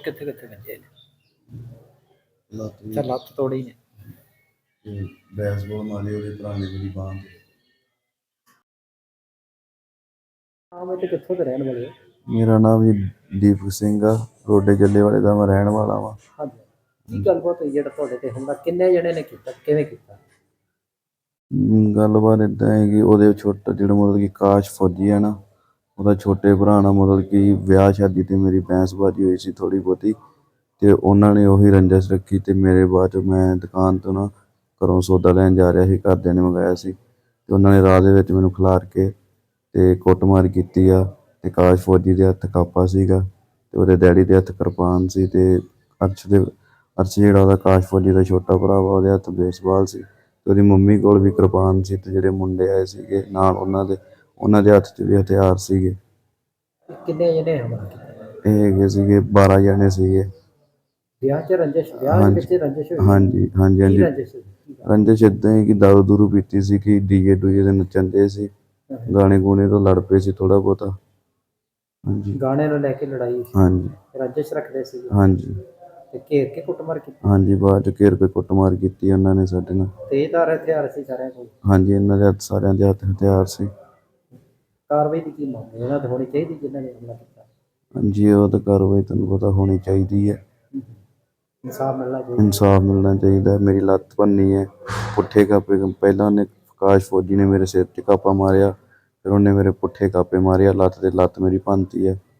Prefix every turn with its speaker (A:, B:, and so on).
A: ਕਿੱਥੇ ਕਿੱਥੇ ਵੱਜੇ ਨੇ?
B: ਲੱਤ
A: ਅੱਛਾ, ਲੱਤ ਤੋੜੀ ਨੇ।
B: ਤੇ ਬੈਸਬਾਲ ਮਾਰੀ ਉਹਦੇ ਭਰਾ ਨੇ ਮੇਰੀ ਬਾਂਹ ਤੇ।
A: ਨਾਮ ਤੇ ਕਿੱਥੋਂ ਦੇ ਰਹਿਣ ਵਾਲੇ ਹੋ?
B: ਮੇਰਾ ਨਾਮ ਜੀ ਦੀਪਕ ਸਿੰਘ ਆ, ਰੋਡੇ ਜੱਲੇ ਵਾਲੇ ਦਾ ਮੈਂ ਰਹਿਣ ਵਾਲਾ ਵਾਂ।
A: ਹਾਂਜੀ, ਕੀ ਗੱਲਬਾਤ ਹੋਈ ਜਿਹੜਾ ਤੁਹਾਡੇ ਤੇ ਹਮਲਾ ਕਿੰਨੇ ਜਣੇ ਨੇ ਕੀਤਾ, ਕਿਵੇਂ ਕੀਤਾ?
B: ਗੱਲਬਾਤ ਇੱਦਾਂ ਹੈ ਕਿ ਉਹਦੇ ਛੋਟਾ ਜਿਹੜਾ ਮਤਲਬ ਕਿ ਕਾਸ਼ ਫੌਜੀ ਹੈ ਨਾ, ਉਹਦਾ ਛੋਟੇ ਭਰਾ ਨਾਲ ਮਤਲਬ ਕਿ ਵਿਆਹ ਸ਼ਾਦੀ 'ਤੇ ਮੇਰੀ ਬਹਿਸਬਾਜ਼ੀ ਹੋਈ ਸੀ ਥੋੜ੍ਹੀ ਬਹੁਤੀ, ਅਤੇ ਉਹਨਾਂ ਨੇ ਉਹੀ ਰੰਜਿਸ਼ ਰੱਖੀ। ਅਤੇ ਮੇਰੇ ਬਾਅਦ 'ਚ ਮੈਂ ਦੁਕਾਨ ਤੋਂ ਨਾ ਘਰੋਂ ਸੌਦਾ ਲੈਣ ਜਾ ਰਿਹਾ ਸੀ, ਘਰਦਿਆਂ ਨੇ ਮੰਗਵਾਇਆ ਸੀ, ਅਤੇ ਉਹਨਾਂ ਨੇ ਰਾਹ ਦੇ ਵਿੱਚ ਮੈਨੂੰ ਖਿਲਾਰ ਕੇ ਅਤੇ ਕੁੱਟਮਾਰ ਕੀਤੀ ਆ। ਅਤੇ ਕਾਸ਼ ਫੌਜੀ ਦੇ ਹੱਥ ਕਾਪਾ ਸੀਗਾ, ਅਤੇ ਉਹਦੇ ਡੈਡੀ ਦੇ ਹੱਥ ਕਿਰਪਾਨ ਸੀ, ਅਤੇ ਅਰਸ਼ ਜਿਹੜਾ ਉਹਦਾ ਕਾਸ਼ ਫੌਜੀ ਦਾ ਛੋਟਾ ਭਰਾ ਵਾ, ਉਹਦੇ ਹੱਥ ਬੇਸਬਾਲ ਸੀ, ਅਤੇ ਉਹਦੀ ਮੰਮੀ ਕੋਲ ਵੀ ਕਿਰਪਾਨ ਸੀ। ਅਤੇ ਜਿਹੜੇ ਮੁੰਡੇ ਆਏ ਸੀਗੇ ਨਾਲ ਉਹਨਾਂ ਦੇ ਹੱਥ 'ਚ ਵੀ ਹਥਿਆਰ ਸੀਗੇ।
A: ਕਿੰਨੇ ਜਣੇ ਹਮਲਾ ਕੀਤਾ?
B: ਇਹ ਹੈਗੇ ਸੀਗੇ 12 ਜਣੇ ਸੀਗੇ।
A: ਵਿਆਹ 'ਚ ਰੰਜਿਸ਼, ਵਿਆਹ ਦੇ ਵਿੱਚ ਰੰਜਿਸ਼ ਹੋਈ?
B: ਹਾਂਜੀ ਹਾਂਜੀ
A: ਕੀ
B: ਹਾਂਜੀ।
A: ਰੰਜਿਸ਼ ਹੋਈ?
B: ਰੰਜਿਸ਼ ਇੱਦਾਂ ਹੈ ਕਿ ਦਾਰੂ ਦੂਰੂ ਪੀਤੀ ਸੀ, ਕਿ ਡੀਜੇ ਡੂਜੇ 'ਤੇ ਨੱਚਣ ਦੇ ਸੀ, ਗਾਣੇ ਗੂਣੇ ਤੋਂ ਲੜ ਪਏ ਸੀ ਥੋੜ੍ਹਾ ਬਹੁਤਾ। ਹਾਂਜੀ,
A: ਗਾਣੇ ਨੂੰ ਲੈ ਕੇ ਲੜਾਈ ਸੀ?
B: ਹਾਂਜੀ
A: ਰੰਜਿਸ਼ ਰੱਖਦੇ ਸੀ?
B: ਹਾਂਜੀ
A: ਤੇ ਘੇਰ ਕੇ ਕੁੱਟਮਾਰ ਕੀਤੀ?
B: ਹਾਂਜੀ, ਬਾਅਦ 'ਚ ਘੇਰ ਕੇ ਕੁੱਟਮਾਰ ਕੀਤੀ ਉਹਨਾਂ ਨੇ ਸਾਡੇ ਨਾਲ।
A: ਤੇਜ਼ਧਾਰ ਹਥਿਆਰ ਸੀ ਸਾਰਿਆਂ ਕੋਲ?
B: ਹਾਂਜੀ, ਇਹਨਾਂ ਦੇ ਹੱਥ ਸਾਰਿਆਂ ਦੇ ਹੱਥ ਹਥਿਆਰ ਸੀ।
A: ਕਾਰਵਾਈ ਦੀ ਕੀ ਮੰਗ ਹੈ? ਇਹਨਾਂ ਤੇ ਹੋਣੀ ਚਾਹੀਦੀ ਜਿਨ੍ਹਾਂ ਨੇ ਹਮਲਾ ਕੀਤਾ?
B: ਹਾਂਜੀ, ਉਹ ਤਾਂ ਕਾਰਵਾਈ ਤੁਹਾਨੂੰ ਪਤਾ ਹੋਣੀ ਚਾਹੀਦੀ ਹੈ।
A: ਇਨਸਾਫ ਮਿਲਣਾ ਚਾਹੀਦਾ?
B: ਇਨਸਾਫ ਮਿਲਣਾ ਚਾਹੀਦਾ। ਮੇਰੀ ਲੱਤ ਭੰਨੀ ਹੈ, ਪੁੱਠੇ ਕਾਪੇ ਪਹਿਲਾਂ ਉਹਨੇ ਕਾਸ਼ ਫੌਜੀ ਨੇ ਮੇਰੇ ਸਿਰ 'ਚ ਕਾਪਾ ਮਾਰਿਆ, ਫਿਰ ਉਹਨੇ ਮੇਰੇ ਪੁੱਠੇ ਕਾਪੇ ਮਾਰੇ ਆ, ਲੱਤ ਮੇਰੀ ਭੰਨਤੀ ਹੈ।